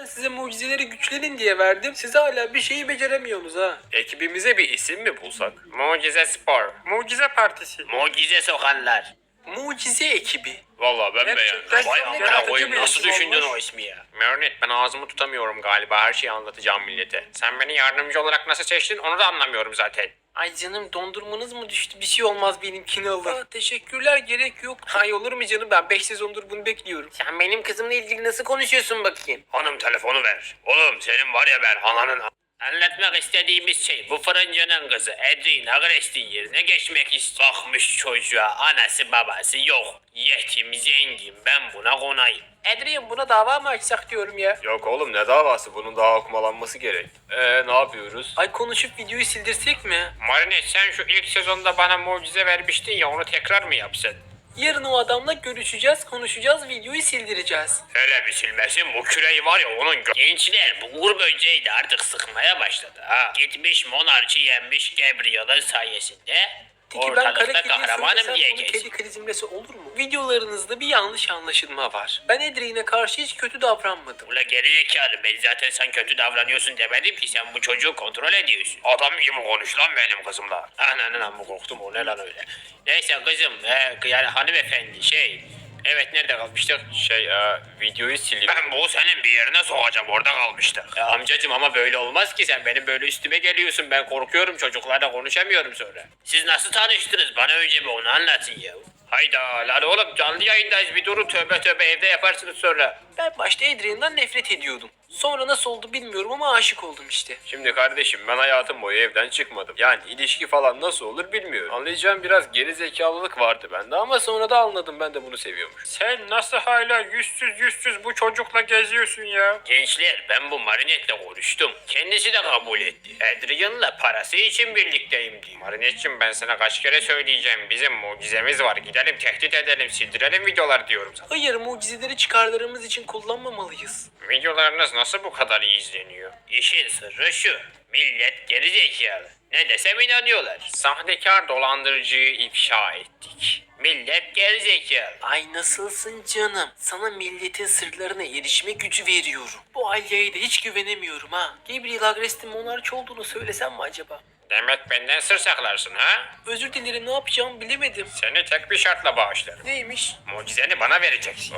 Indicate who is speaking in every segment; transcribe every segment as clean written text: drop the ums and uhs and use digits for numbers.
Speaker 1: size mucizeleri güçlenin diye verdim. Siz hala bir şeyi beceremiyorsunuz ha.
Speaker 2: Ekibimize bir isim mi bulsak? Mucize Spor. Mucize Partisi. Mucize Sokanlar.
Speaker 1: Mucize ekibi.
Speaker 2: Valla ben
Speaker 1: Gerçekten
Speaker 2: beğendim. Vay
Speaker 1: çok
Speaker 2: amına
Speaker 1: yaratıcı
Speaker 2: koyayım,
Speaker 1: bir
Speaker 2: nasıl
Speaker 1: isim
Speaker 2: düşündün
Speaker 1: olmuş.
Speaker 2: o ismi ya? Mörnet, ben ağzımı tutamıyorum galiba, her şeyi anlatacağım millete. Sen beni yardımcı olarak nasıl seçtin onu da anlamıyorum zaten.
Speaker 1: Ay canım, dondurmanız mı düştü? Bir şey olmaz, benimkini alın. Aa, teşekkürler, gerek yok. Ay olur mu canım, ben 5 sezondur bunu bekliyorum. Sen benim kızımla ilgili nasıl konuşuyorsun bakayım?
Speaker 2: Hanım telefonu ver. Oğlum senin var ya ben ananın... Anlatmak istediğimiz şey, bu fırıncının kızı Edrina Grestin yerine geçmek istiyor. Bakmış çocuğa, anası babası yok. Yetim zengin, ben buna konayım.
Speaker 1: Adrian, buna dava mı açsak diyorum ya.
Speaker 2: Yok oğlum, ne davası, bunun daha okumalanması gerek. Ne yapıyoruz?
Speaker 1: Ay konuşup videoyu sildirsek mi?
Speaker 2: Marine, sen şu ilk sezonda bana mucize vermiştin ya, onu tekrar mı yapsın?
Speaker 1: Yarın o adamla görüşeceğiz, konuşacağız, videoyu sildireceğiz.
Speaker 2: Hele bir silmesin, bu küreği var ya onun Gençler, bu uğur böceği de artık sıkmaya başladı ha. Gitmiş monarşi yenmiş Gabriel'ın sayesinde.
Speaker 1: Peki ben kara
Speaker 2: Ortalıkta
Speaker 1: kediye
Speaker 2: kahramanım
Speaker 1: söylesem
Speaker 2: diye
Speaker 1: bunu
Speaker 2: geç.
Speaker 1: kedi krizimlesi olur mu? Videolarınızda bir yanlış anlaşılma var. Ben Adrian'e karşı hiç kötü davranmadım.
Speaker 2: Ula gerizekalı, ben zaten sen kötü davranıyorsun demedim ki, sen bu çocuğu kontrol ediyorsun. Adam gibi konuş lan benim kızımla. Ananın amma korktum, o ne lan öyle. Neyse kızım, yani hanımefendi evet, nerede kalmıştık? Videoyu sileyim. Ben bu senin bir yerine sokacağım, orada kalmıştık. Amcacım ama böyle olmaz ki, sen benim böyle üstüme geliyorsun, ben korkuyorum, çocuklarla konuşamıyorum sonra. Siz nasıl tanıştınız, bana önce bir onu anlatın ya. Hayda lan oğlum, canlı yayındayız, bir durun, tövbe tövbe, evde yaparsınız sonra.
Speaker 1: Ben başta Adrian'dan nefret ediyordum. Sonra nasıl oldu bilmiyorum ama aşık oldum işte.
Speaker 2: Şimdi kardeşim, ben hayatım boyu evden çıkmadım. Yani ilişki falan nasıl olur bilmiyorum. Anlayacağım, biraz geri zekalılık vardı bende ama sonra da anladım, ben de bunu seviyormuş. Sen nasıl hala yüzsüz bu çocukla geziyorsun ya? Gençler, ben bu Marinette'le konuştum. Kendisi de kabul etti. Adrian'la parası için birlikteyim diyor. Marinette'cim, ben sana kaç kere söyleyeceğim, bizim mucizemiz var. Gidelim tehdit edelim, sildirelim videolar diyorum sana.
Speaker 1: Hayır, mucizeleri çıkarlarımız için kullanmamalıyız.
Speaker 2: Videolarınız nasıl bu kadar iyi izleniyor? İşin sırrı şu. Millet gerizekalı. Ne desem inanıyorlar. Sahtekar dolandırıcıyı ifşa ettik. Millet gerizekalı.
Speaker 1: Ay nasılsın canım? Sana milletin sırlarına erişme gücü veriyorum. Bu Alya'ya da hiç güvenemiyorum ha. Gabriel Agrest'in monarç olduğunu söylesem mi acaba?
Speaker 2: Demek benden sır saklarsın ha?
Speaker 1: Özür dilerim, ne yapacağımı bilemedim.
Speaker 2: Seni tek bir şartla bağışlarım.
Speaker 1: Neymiş?
Speaker 2: Mucizeni bana vereceksin.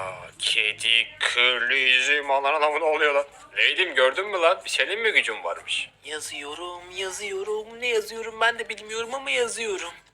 Speaker 2: Kedi kırlı yüzüm, alan adamı ne oluyor lan? Lady'm, gördün mü lan? Senin mi gücün varmış?
Speaker 1: Yazıyorum. Ne yazıyorum ben de bilmiyorum ama yazıyorum.